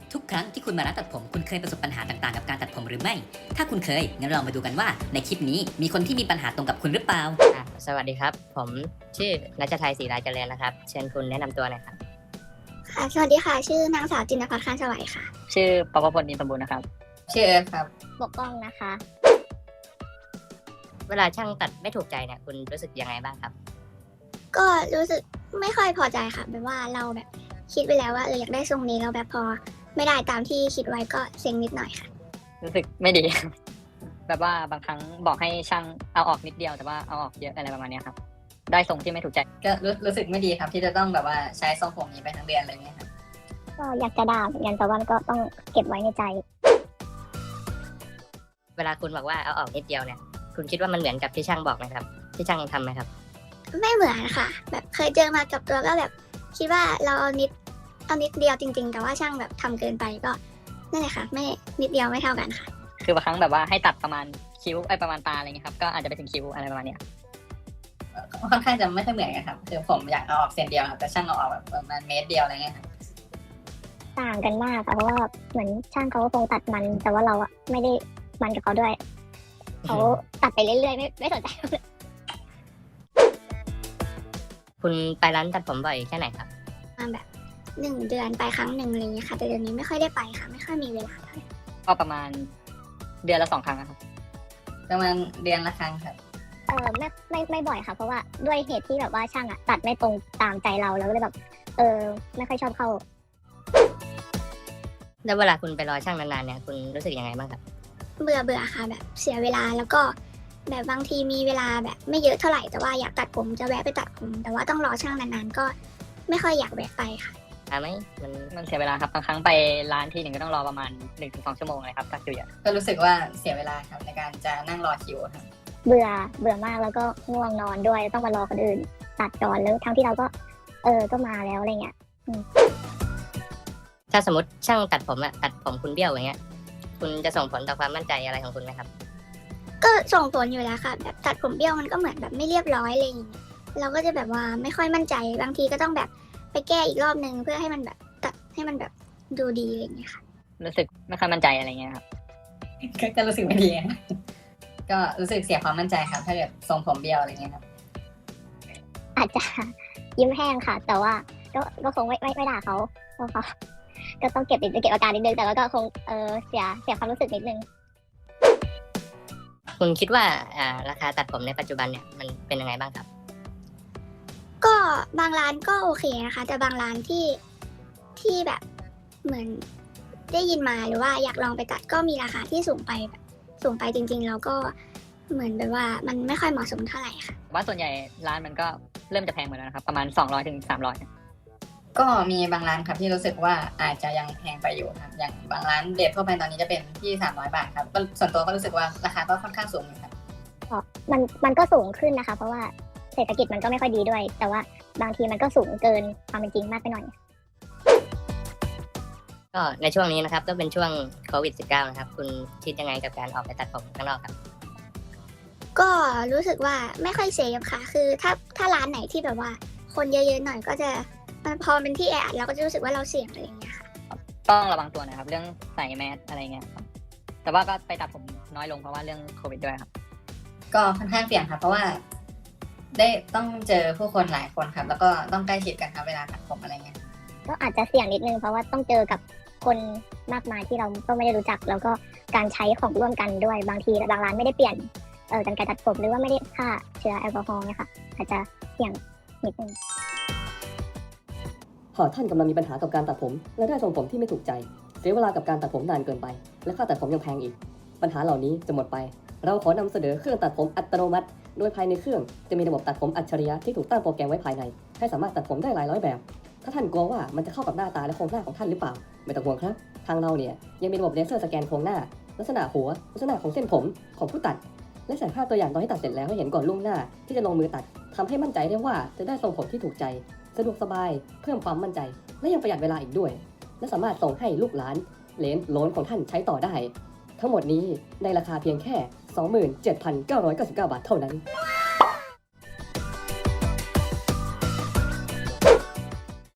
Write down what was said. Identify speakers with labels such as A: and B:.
A: ทุกครั้งที่คุณมาร้านตัดผมคุณเคยประสบปัญหาต่างๆกับการตัดผมหรือไม่ ถ้าคุณเคยงั้นเรามาดูกันว่าในคลิปนี้มีคนที่มีปัญหาตรงกับคุณหรือเปล่า
B: สวัสดีครับผมชื่อรัชชัยศรีราเจริญนะครับเชิญคุณแนะนำตัวหน่อยครับ
C: ค่ะสวัสดีค่ะ ชื่อนางสาวจินภัทร คานสวัยค่ะ
B: ชื่อปภพลอินทร์สมบูรณ์นะครับ
D: ชื่อเอิร์ธครับ
C: ปกป้องนะคะ
B: เวลาช่างตัดไม่ถูกใจเนี่ยคุณรู้สึกยังไงบ้างครับ
C: ก็รู้สึกไม่ค่อยพอใจค่ะแบบว่าเราแบบคิดไปแล้วว่าอยากได้ทรงนี้แล้วแบบพอไม่ได้ตามที่คิดไว้ก็เซ็งนิดหน่อยค่ะ
B: รู้สึกไม่ดี แบบว่าบางครั้งบอกให้ช่างเอาออกนิดเดียวแต่ว่าเอาออกเยอะอะไรประมาณเนี้ยครับได้ทรงที่ไม่ถูกใจ
D: ก็รู้สึกไม่ดีครับที่จะต้องแบบว่าใช้ทรงผมนี้ไปทั้งเดือนอะไรเงี้ยครับ
C: ก็อยากจะด่าเหมือนกันแต่ว่าก็ต้องเก็บไว้ในใจ
B: เวลาคุณบอกว่าเอาออกนิดเดียวเนี่ยคุณคิดว่ามันเหมือนกับที่ช่างบอกไหมครับที่ช่างทำไหมครับ
C: ไม่เหมือนค่ะ แบบเคยเจอมากับตัวก็แบบคิดว่าเราเอานิดเดียวจริงๆ แต่ว่าช่างแบบทำเกินไปก็นั่นแหละค่ะ ไม่นิดเดียวไม่เท่ากันค่ะ
B: คือบางครั้งแบบว่าให้ตัดประมาณคิ้วประมาณตาอะไรเงี้ยครับก็อาจจะไปถึงคิ้วอะไรประมาณเนี้ย
D: ค่อนข้างจะไม่ค่อยเหมือนกันครับคือผมอยากเอาออกเส้นเดียวครับแต่ช่างเอาออกแบบประมาณเมตรเดียวอะไรเงี้ยครับ
E: ต่างกันมากค่ะเพราะว่าเหมือนช่างเขาก็คงตัดมัน แต่ว่าเราอะไม่ได้มันกับเขาด้วยเขาตัดไปเรื่อยๆไม่สนใจ
B: คุณไปร้านตัดผมบ่อยแค่ไหนครับ
C: มาแบบ1 เดือนไปครั้งหนึ่งอะไรอย่างเงี้ยค่ะ แต่เดี๋ยวนี้ไม่ค่อยได้ไปค่ะ ไม่ค่อยมีเวลาเท่าไหร่
B: ก็ประมาณเดือนละ2 ครั้งอะครับ
D: ประมาณเดือนละครั้งครับ
E: ไม่บ่อยค่ะ เพราะว่าด้วยเหตุที่แบบว่าช่างอะตัดไม่ตรงตามใจเราก็เลยแบบไม่ค่อยชอบเข้า
B: แล้วเวลาคุณไปรอช่างนานๆเนี่ยคุณรู้สึกยังไงบ้างครับ
C: เบื่อค่ะแบบเสียเวลาแล้วก็แบบบางทีมีเวลาแบบไม่เยอะเท่าไหร่แต่ว่าอยากตัดผมจะแวะไปตัดผมแต่ว่าต้องรอช่างนานๆก็ไม่ค่อยอยากแวะไปค่ะ
B: ไหมมันเสียเวลาครับบางครั้งไปร้านทีหนึ่งก็ต้องรอประมาณ 1-2 ชั่วโมงเลยครับตัดคิวเยอะ
D: ก็รู้สึกว่าเสียเวลาครับในการจะนั่งรอคิวครับ
E: เบื่อมากแล้วก็ง่วงนอนด้วยต้องมารอคนอื่นตัดก่อนแล้วทั้งที่เราก็ก็มาแล้วอะไรเงี้ย
B: ถ้าสมมติช่างตัดผมอะตัดผมคุณเบี้ยวอย่างเงี้ยคุณจะส่งผลต่อความมั่นใจอะไรของคุณไหมครับ
C: ก็ส่งผลอยู่แล้วค่ะแบบตัดผมเบี้ยวมันก็เหมือนแบบไม่เรียบร้อยอะไรอย่างเงี้ยเราก็จะแบบว่าไม่ค่อยมั่นใจบางทีก็ต้องแบบไปแก้อีกรอบนึงเพื่อให้มันแบบตัดให้มันแบบดูดีอะไรอย่างเงี้ยค่ะ
B: รู้สึกไม่ค่อยมั่นใจอะไรเงี้ยครับ
D: ก็รู้สึกไม่ดีครับก็รู้สึกเสียความมั่นใจครับถ้าเกิดทรงผมเบี้ยวอะไรเงี้ยครับ
E: อาจจะยิ้มแห้งค่ะ แต่ว่าก็คงไม่ด่าเขาเพราะเขาก็ต้องเก็บอาการนิดนึงแต่ว่าก็คงเสียความรู้สึกนิดนึง
B: คุณคิดว่าราคาตัดผมในปัจจุบันเนี่ยมันเป็นยังไงบ้างครับ
C: ก็บางร้านก็โอเคนะคะแต่บางร้านที่แบบเหมือนได้ยินมาหรือว่าอยากลองไปตัดก็มีราคาที่สูงไปแบบสูงไปจริงๆแล้วก็เหมือนแบบว่ามันไม่ค่อยเหมาะสมเท่าไหร่ค่ะ
B: ว่าส่วนใหญ่ร้านมันก็เริ่มจะแพงหมดแล้วนะครับประมาณ200-300
D: ก็มีบางร้านครับที่รู้สึกว่าอาจจะยังแพงไปอยู่ครับอย่างบางร้านเดททั่วไปตอนนี้จะเป็นที่300 บาทครับก็ส่วนตัวก็รู้สึกว่าราคาก็ค่อนข้างสูงอยู่ครับ
E: มันก็สูงขึ้นนะคะ เพราะว่าเศรษฐกิจมันก็ไม่ค่อยดีด้วย แต่ว่าบางทีมันก็สูงเกินความเป็นจริงมากไปหน่อย
B: ก็ในช่วงนี้นะครับก็เป็นช่วงโควิด -19 นะครับคุณคิดยังไงกับการออกไปตัดผมข้างนอกครับ
C: ก็รู้สึกว่าไม่ค่อยเซฟค่ะ คือถ้าร้านไหนที่แบบว่าคนเยอะๆหน่อยก็จะมันพอเป็นที่แออัดเราก็จะรู้สึกว่าเราเสี่ยงอะไรอย่างเงี้ยค่ะ
B: ต้องระวังตัวนะครับเรื่องใส่แมสอะไรเงี้ยครับแต่ว่าก็ไปตัดผมน้อยลงเพราะว่าเรื่องโควิดด้วยครับ
D: ก็ค่อนข้างเสี่ยงครับเพราะว่าได้ต้องเจอผู้คนหลายคนครับ แล้วก็ต้องใกล้ชิดกันครับเวลาตัดผมอะไรเงี้ย
E: ก็อาจจะเสี่ยงนิดนึงเพราะว่าต้องเจอกับคนมากมายที่เราก็ไม่ได้รู้จัก แล้วก็การใช้ของร่วมกันด้วยบางทีบางร้านไม่ได้เปลี่ยนกรรไกรตัดผมหรือว่าไม่ได้ฆ่าเชื้อแอลกอฮอล์เนี่ยค่ะอาจจะเสี่ยงนิดนึง
F: หากท่านกำลังมีปัญหากับการตัดผมและได้ทรงผมที่ไม่ถูกใจเสียเวลากับการตัดผมนานเกินไป และค่าตัดผมยังแพงอีก ปัญหาเหล่านี้จะหมดไป เราขอนำเสนอเครื่องตัดผมอัตโนมัติ โดยภายในเครื่องจะมีระบบตัดผมอัจฉริยะที่ถูกตั้งโปรแกรมไว้ภายใน ให้สามารถตัดผมได้หลายร้อยแบบ ถ้าท่านกลัวว่ามันจะเข้ากับหน้าตาและโครงหน้าของท่านหรือเปล่า ไม่ต้องห่วงครับ ทางเราเนี่ยยังมีระบบเลเซอร์สแกนโครงหน้า ลักษณะหัว ลักษณะของเส้นผมของผู้ตัด และถ่ายภาพตัวอย่างตอนที่ตัดเสร็จแล้วให้เห็นก่อนล่วงหน้าที่จะลงมือตัดทำให้มั่นใจได้ว่าจะได้ทรงผมที่ถูกใจ สะดวกสบาย เพิ่มความมั่นใจ และยังประหยัดเวลาอีกด้วย และสามารถส่งให้ลูกหลานเหลนโหลนของท่านใช้ต่อได้ ทั้งหมดนี้ในราคาเพียงแค่ 27,999 บาทเท่านั้น